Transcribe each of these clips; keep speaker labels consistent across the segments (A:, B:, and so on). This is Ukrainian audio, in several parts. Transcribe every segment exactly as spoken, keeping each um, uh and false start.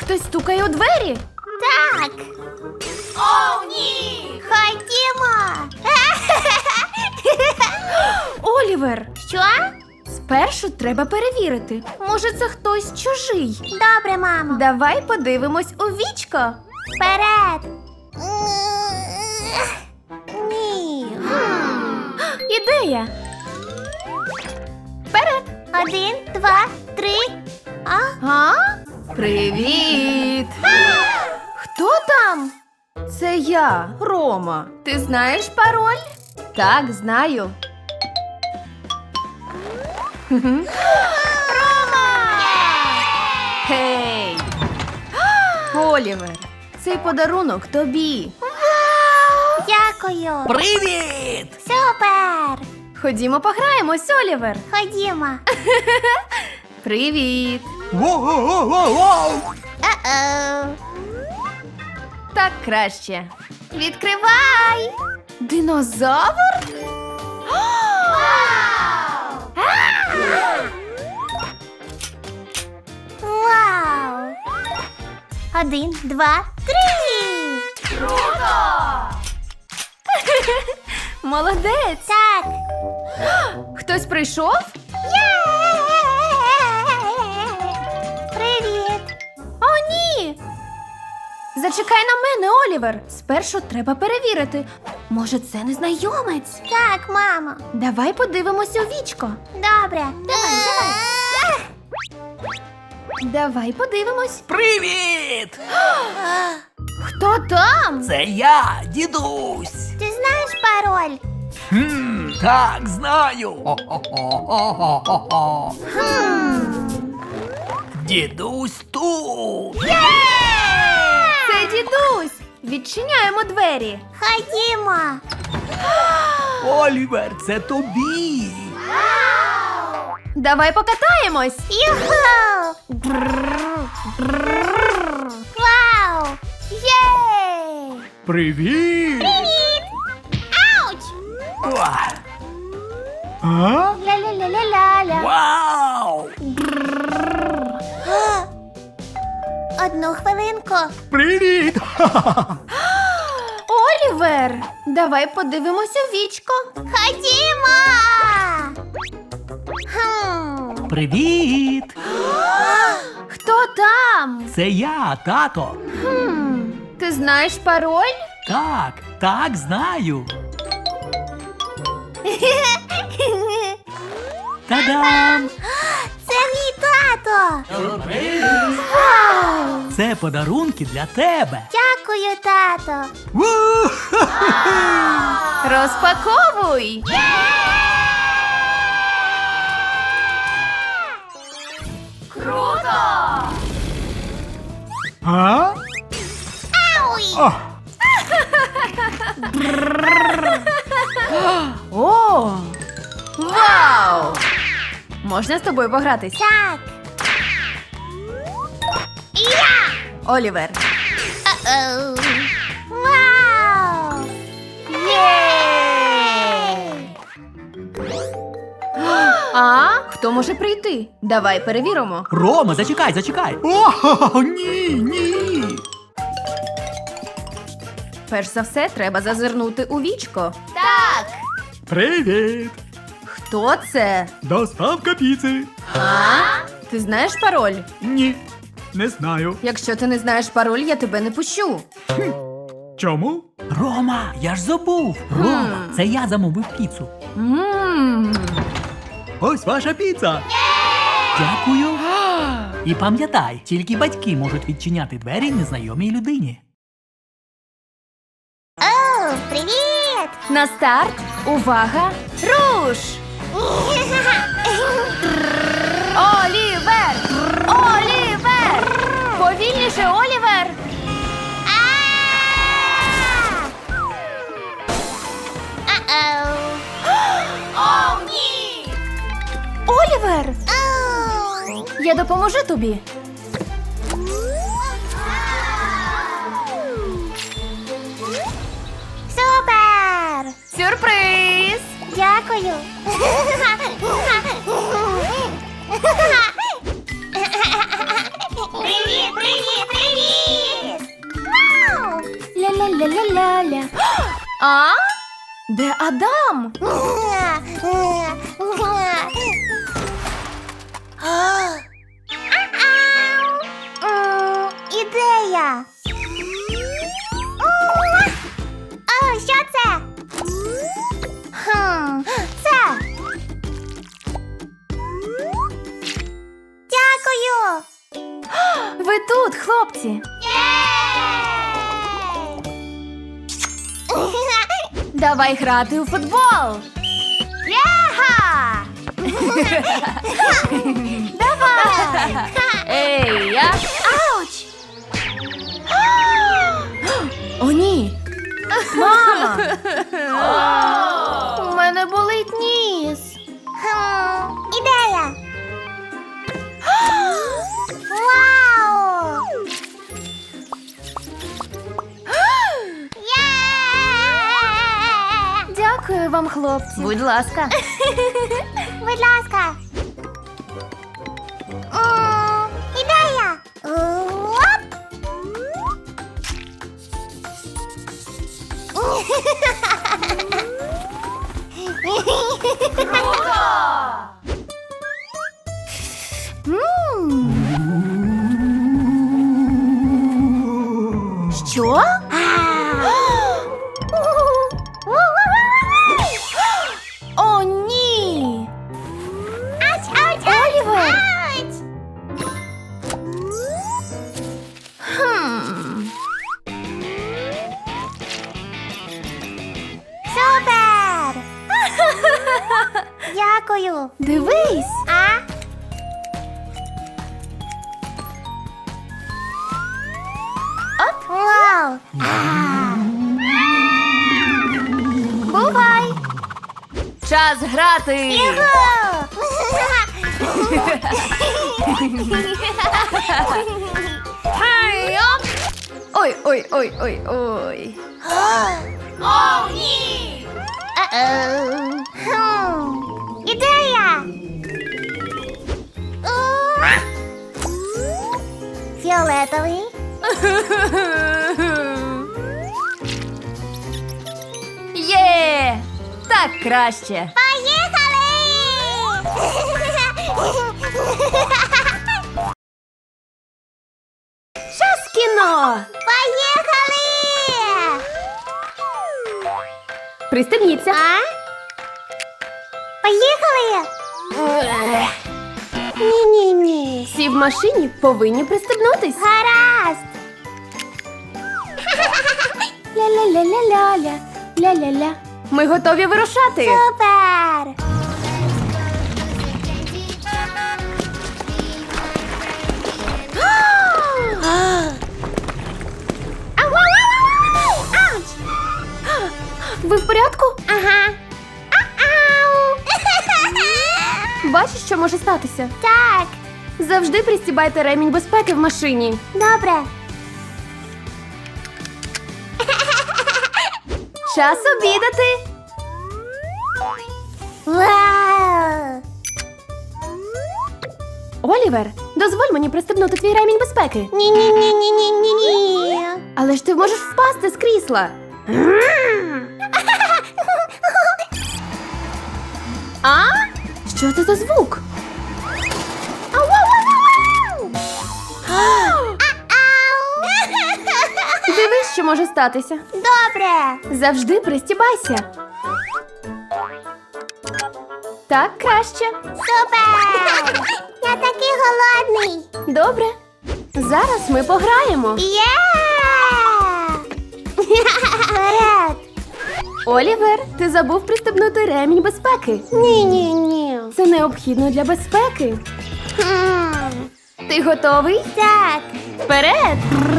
A: Хтось стукає у двері?
B: Так. О, ні! Ходімо!
A: Олівер,
B: Що?
A: спершу треба перевірити. Може, це хтось чужий.
B: Добре, мамо.
A: Давай подивимось у вічко.
B: Вперед! Ні.
A: Ідея. Вперед.
B: Один, два, три. А?
A: А? Привіт! Хто там? Це я, Рома. Ти знаєш пароль? Так, знаю. Рома! Гей! Олівер, цей подарунок тобі.
B: Дякую.
C: Привіт!
B: Супер!
A: Ходімо пограємось, Олівер.
B: Ходімо.
A: Привіт!
C: Воу-воу-воу-воу!
B: О-оу.
A: Так краще. Відкривай! Динозавр?
B: Вау! Один, два, три!
A: Молодець!
B: Так!
A: Хтось прийшов?
B: Є! Привіт!
A: О, ні! Зачекай на мене, Олівер. Спершу треба перевірити. Може, це незнайомець?
B: Так, мамо.
A: Давай подивимось у вічко.
B: Добре. Давай, давай.
A: Давай подивимось.
C: Привіт!
A: Хто там?
C: Це я, дідусь.
B: Ти знаєш пароль?
C: Хм, так, знаю. Хо-хо-хо-хо-хо-хо. Дідусь тут.
A: Це дідусь. Відчиняємо двері.
B: Ходімо.
C: Олівер, це тобі.
A: Давай покатаємось.
B: Юху! Вау! Єй!
C: Привіт!
B: Привіт! Ауч!
C: Уа. А?
B: Ля-ля-ля-ля-ля-ля.
C: Вау!
B: Одну хвилинку.
C: Привіт!
A: Олівер, давай подивимось у вічко.
B: Ходімо! Хм.
C: Привіт!
A: Хто там?
C: Це я, тато.
A: Хм, ти знаєш пароль?
C: Так, так, знаю. Та-дам!
B: Це мій тато.
C: Це подарунки для тебе.
B: Дякую, тато.
C: Ву!
A: Розпаковуй. Круто!
C: А?
B: Ауй!
C: О,
A: О! Вау! Можна з тобою погратись?
B: Так. Я!
A: Олівер.
B: О-оу. Вау! Єй!
A: А? Хто може прийти? Давай перевіримо.
C: Рома, зачекай, зачекай. О, ні, ні.
A: Перш за все, треба зазирнути у вічко.
B: Так.
C: Привіт.
A: Хто це?
C: Доставка піци.
A: А? Ти знаєш пароль?
C: Ні, не знаю.
A: Якщо ти не знаєш пароль, я тебе не пущу.
C: Чому? Рома, я ж забув. Рома,
A: Хм.
C: це я замовив піцу.
A: Ммм.
C: Ось ваша піца. Дякую. І пам'ятай, тільки батьки можуть відчиняти двері незнайомій людині.
B: О, привіт!
A: На старт. Увага. Руш! Олівер! Олівер! Повільніше, Олівер!
B: А! О-оу.
A: О, ні! Олівер!
B: Оу.
A: Я допоможу тобі.
B: Супер!
A: Сюрприз!
B: Дякую. Привіт! Привіт, привіт, привіт! Вау!
A: Ля-ля-ля-ля-ля-ля. А? Де Адам?
B: М, Ідея! О, що це? Хм, це. Дякую!
A: Ви тут, хлопці. Давай грати у футбол.
B: Яха! Давай!
A: Ей, я.
B: Ауч!
A: О, ні. Мама. У мене болить ніс.
B: Хм, ідея! Вау! Є!
A: Дякую вам, хлопці. Будь ласка.
B: Будь ласка. М, Ідея! Оп!
A: Що? О, ні.
B: Ауч, ауч,
A: Олівер!
B: ауч!
A: Хм.
B: Супер! Дякую.
A: Дивись.
B: А?
A: Оп.
B: Вау!
A: Бувай. Час грати.
B: Юху!
A: Хай, оп. Ой, ой, ой, ой, ой.
B: О, ні! Е-е. Хм. Ідея! Уа! Фіолетовий.
A: Є! Так краще.
B: Поїхали!
A: Час кіно.
B: Поїхали!
A: Пристебніться.
B: А? Поїхали! Ні-ні-ні.
A: Всі в машині повинні пристебнутись.
B: Гаразд!
A: Ля-ля-ля-ля-ля-ля. Ля-ля-ля. Ми готові вирушати.
B: Супер! Ау-ау-ау-ау-ау! Ауч!
A: Ви в порядку?
B: Ага. Ау!
A: Бачиш, що може статися?
B: Так,
A: Завжди пристібайте ремінь безпеки в машині.
B: добре.
A: Час обідати.
B: Вау!
A: Олівер, дозволь мені пристебнути твій ремінь безпеки.
B: Ні-ні-ні-ні-ні-ні.
A: Але ж ти можеш впасти з крісла. А? Що це за звук?
B: Ау-ау-ау-ау! Ау!
A: Дивись, що може статися.
B: Добре.
A: Завжди пристібайся. Так краще.
B: Супер! Я такий голодний.
A: Добре. Зараз ми пограємо.
B: Є! Вперед!
A: Олівер, ти забув пристебнути ремінь безпеки.
B: Ні-ні-ні.
A: Це необхідно для безпеки.
B: Хм.
A: Ти готовий?
B: Так.
A: Вперед!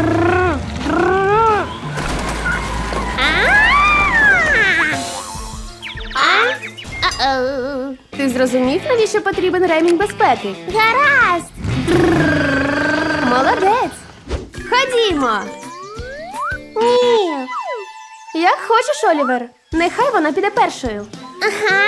B: А? А-оу.
A: Ти зрозумів, навіщо потрібен ремінь безпеки?
B: Гаразд.
A: Молодець! Ходімо!
B: Ні.
A: Як хочеш, Олівер. Нехай вона піде першою.
B: Ага.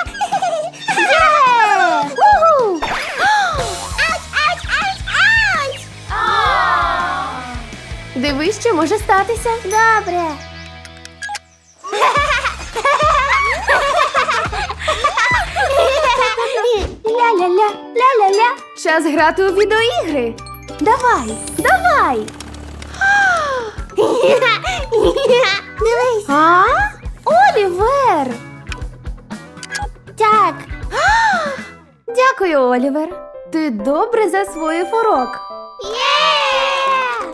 B: Є! Уху! Ауч, ауч, ауч, ауч!
A: Дивись, що може статися.
B: Добре.
A: Ля-ля-ля, ля-ля-ля. Час грати у відеоігри. Давай, давай.
B: Дивись.
A: А? Олівер!
B: Так.
A: Дякую, Олівер. Ти добре засвоїв урок.
B: Є!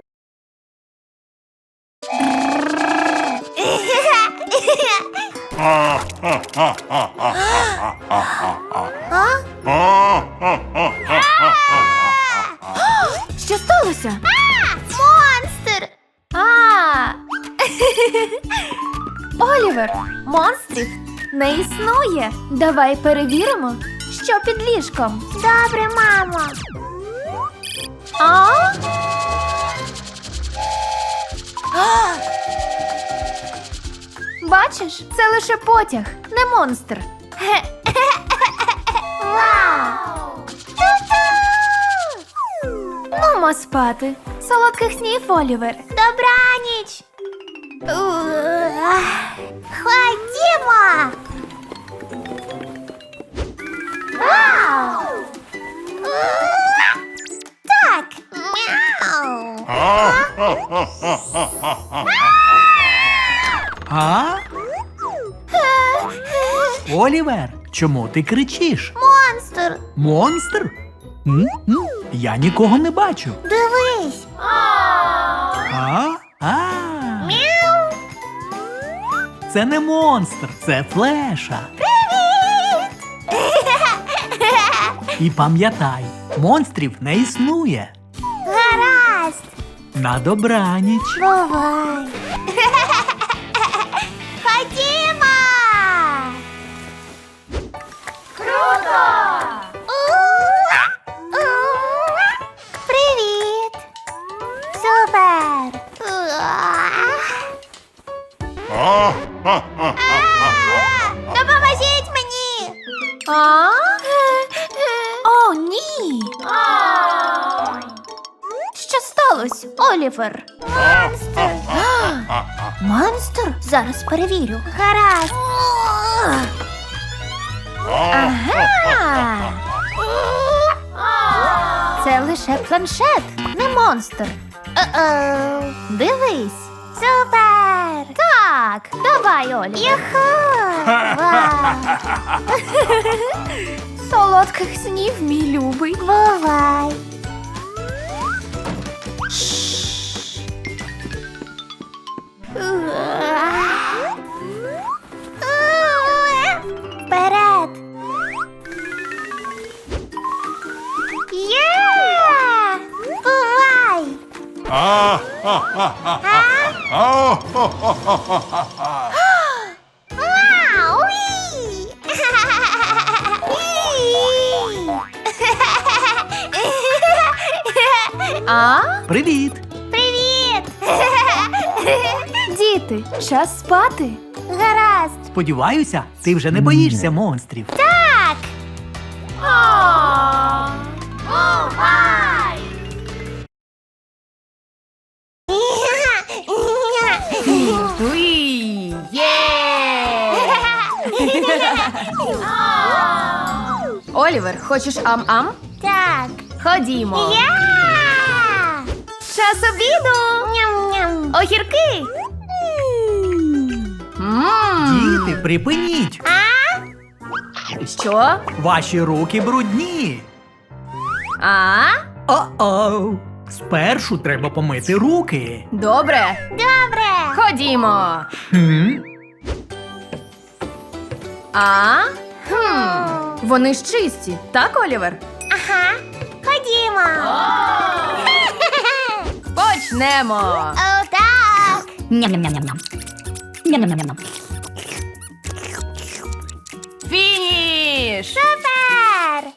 A: Що сталося?
B: Монстр!
A: А! Олівер, монстрів не існує. Давай перевіримо, що під ліжком.
B: Добре, мамо.
A: А? Бачиш, це лише потяг, не монстр.
B: Вау!
A: Нумо спати. Солодких снів, Олівер.
B: Добраніч! Ух, ходімо! Вау! Так! Мяу!
C: А? Олівер, чому ти кричиш?
B: Монстр!
C: Монстр? М? М? Я нікого не бачу.
B: Дивись!
C: А? А.
B: Мяу!
C: Це не монстр, це флеша. І пам'ятай, монстрів не існує.
B: Гаразд!
C: На добраніч.
B: Бувай! Ходімо!
A: Круто!
B: Привіт! Супер! Допоможіть мені!
A: А? О, ні! Що сталося, Олівер?
B: Монстр!
A: Монстр? Зараз перевірю.
B: Гаразд!
A: Ага! Це лише планшет, не монстр.
B: О-оу!
A: Дивись.
B: Супер!
A: Так, давай, Олівер.
B: Юху! Вау!
A: Солодких снів, мій любий.
B: Бувай! Вперед! Є! Бувай! А? Вау! Уі!
A: А?
C: Привіт!
B: Привіт!
A: Діти, час спати.
B: Гаразд!
C: Сподіваюся, ти вже не боїшся монстрів.
B: Так!
A: А.
B: Бувай!
A: Уй, є! Олівер, хочеш ам-ам?
B: Так!
A: Ходімо.
B: Я!
A: Час обіду.
B: Ням-ням!
A: Огірки. Мм.
C: Діти, припиніть!
B: А?
A: Що?
C: Ваші руки брудні.
A: А?
C: О-оу! Спершу треба помити руки.
A: Добре.
B: Добре!
A: Ходімо.
C: Хм?
A: А? Хм. Вони ж чисті, так, Олівер?
B: Ага! Ходімо!
A: Почнемо.
B: О, так!
D: Ням-ням-ням-ням. Ням-ням-ням-ням.
A: Фініш.
B: Супер!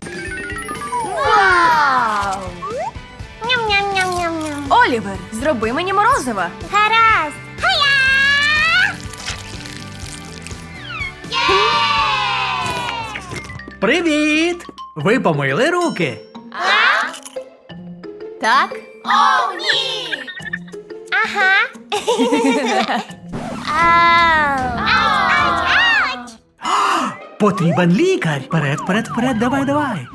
A: Вау!
B: Ням-ням-ням-ням-ням!
A: Олівер, зроби мені морозива.
B: Гаразд! Хая! Є!
C: Привіт! Ви помили руки?
A: Так?
B: О, ні! Ага. Ау. Ауч, ауч, ауч.
C: Потрібен лікар. Вперед, вперед, вперед, давай, давай.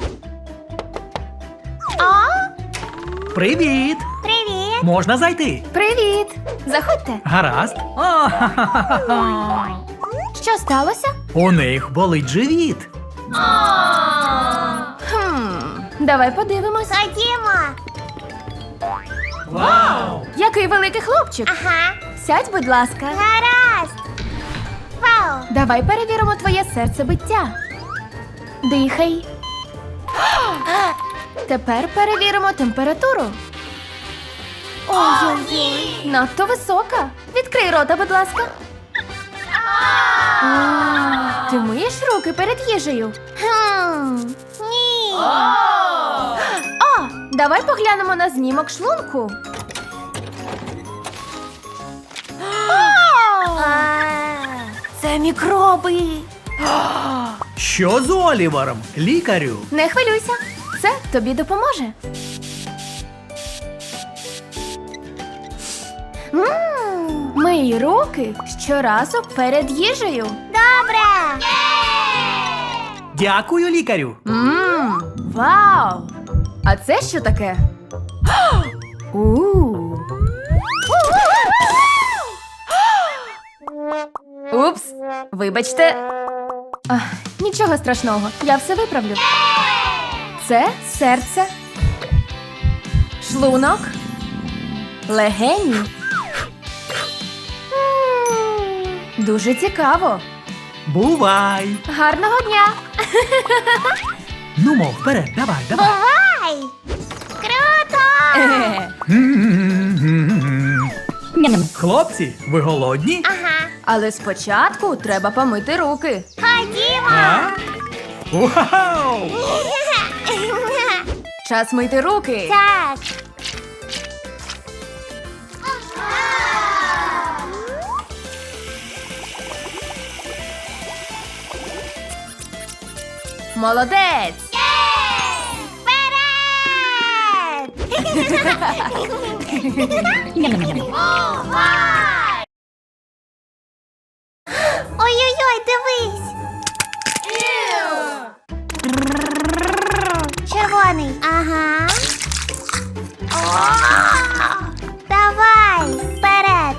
B: О,
C: Привіт!
B: привіт.
C: Можна зайти?
A: Привіт! Заходьте.
C: Гаразд. А-ха-ха-ха-ха.
A: Що сталося?
C: У них болить живіт.
A: Хм, давай подивимось.
B: Ходімо.
C: Вау!
A: Який великий хлопчик.
B: Ага.
A: Сядь, будь ласка.
B: Гаразд. Вау.
A: Давай перевіримо твоє серцебиття. Дихай. Тепер перевіримо температуру. Ой-ой-ой, надто висока. Відкрий рота, будь ласка. А, Ти миєш руки перед їжею?
B: Хм. Ні.
A: О, давай поглянемо на знімок шлунку.
B: А.
A: Це мікроби.
C: Що з Олівером? Лікарю?
A: Не хвилюйся, це тобі допоможе.
B: М,
A: Мий руки щоразу перед їжею.
B: Добре.
C: Дякую, лікарю.
A: Мм, вау! А це що таке? У. Упс, вибачте. Ах, нічого страшного, я все виправлю. Це серце, шлунок, легені. М, Дуже цікаво.
C: Бувай.
A: Гарного дня!
C: Ну, мов, вперед, давай, давай.
B: Бувай. Круто.
D: Ням-ням.
C: Хлопці, ви голодні?
B: Ага.
A: Але спочатку треба помити руки.
B: Ходімо.
C: А? Вау!
A: Час мити руки.
B: Так.
A: Молодець!
B: Вперед!
D: Ням-ням-ням.
B: Ой-ой-ой, дивись. Червоний. Ага. О! Давай, вперед.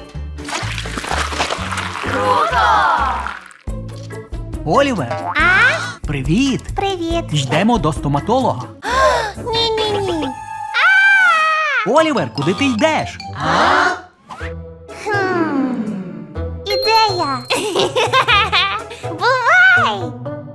C: Олівер,
B: А?
C: привіт.
B: Привіт.
C: Йдемо до стоматолога.
B: Ні-ні-ні.
C: Олівер, куди ти йдеш?
B: Хм. Ідея. Бувай.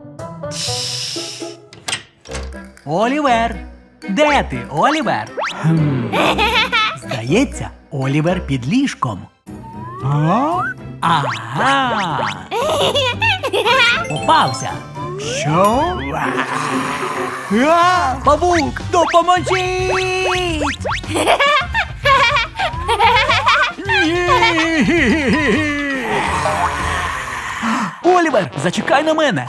C: Олівер. Де ти, Олівер? Хм. Здається, Олівер під ліжком. А? Ага. Попався. Що? А, павук, допоможіть! Ні! Олівер, зачекай на мене.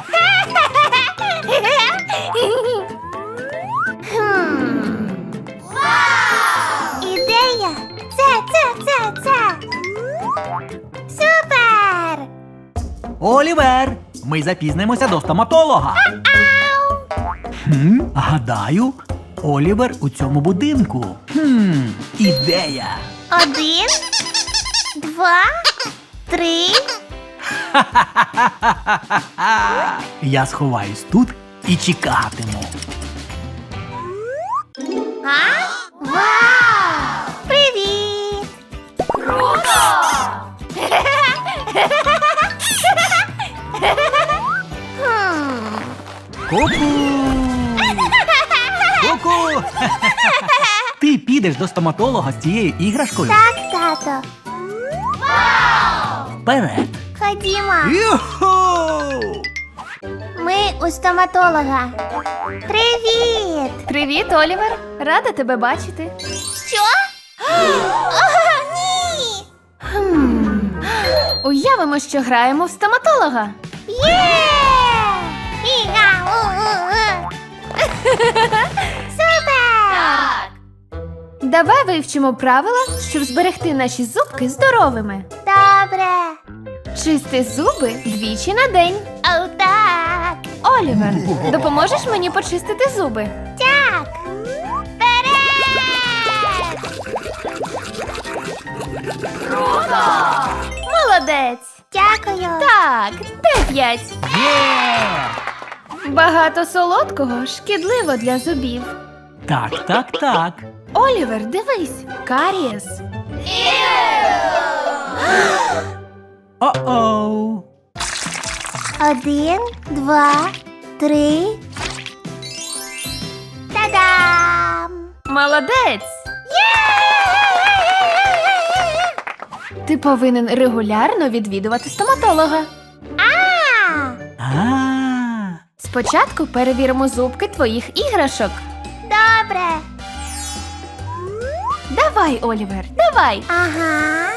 B: Хм. Ідея. Це, це, це, це. Супер.
C: Олівер, ми запізнимося до стоматолога.
B: Ау.
C: Хм, гадаю, Олівер у цьому будинку. Хм, ідея.
B: Один, два, три.
C: Я сховаюсь тут і чекатиму.
B: А? Вау! Привіт! Хм.
C: Ку-ку! Ку-ку! Ти підеш до стоматолога з цією іграшкою?
B: Так, тато.
C: Вперед!
B: Ходімо.
C: Юху!
B: Ми у стоматолога. Привіт!
A: Привіт, Олівер! Рада тебе бачити.
B: Що? О, ні!
A: Хм. Уявимо, що граємо в стоматолога.
B: Є! Іга! У-у-у. Супер!
A: Давай вивчимо правила, щоб зберегти наші зубки здоровими.
B: Добре.
A: Чисти зуби двічі на день.
B: О, так.
A: Олівер, допоможеш мені почистити зуби?
B: Так. Вперед!
A: Молодець!
B: Дякую.
A: Так, дев'ять.
C: Є!
A: Багато солодкого шкідливо для зубів.
C: Так, так, так.
A: Олівер, дивись, карієс.
C: О-оу.
B: Один, два, три. Та-дам!
A: Молодець! Ти повинен регулярно відвідувати стоматолога.
B: А,
C: А.
A: Спочатку перевіримо зубки твоїх іграшок.
B: добре.
A: Давай, Олівер, давай.
B: Ага.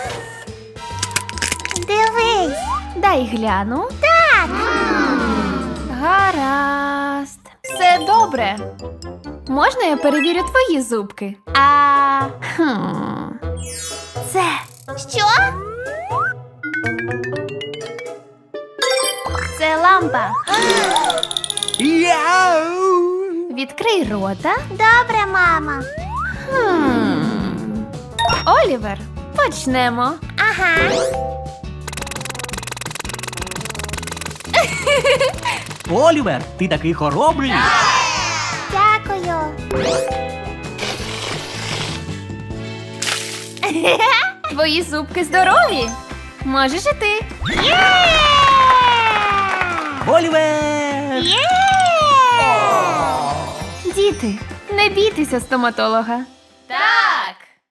B: Дивись.
A: Дай гляну.
B: Так.
A: Гаразд. Все добре. Можна я перевірю твої зубки? А. Хм. Це.
B: Що?
A: Це лампа.
C: Яу!
A: Відкрий рота.
B: Добре, мама.
A: Хм. Олівер, почнемо.
B: Ага.
C: Олівер, ти такий хоробрий.
B: Дякую.
A: Твої зубки здорові. Можеш і ти.
B: Є!
C: Олівер!
B: Є!
A: Діти, не бійтеся стоматолога.
B: Так.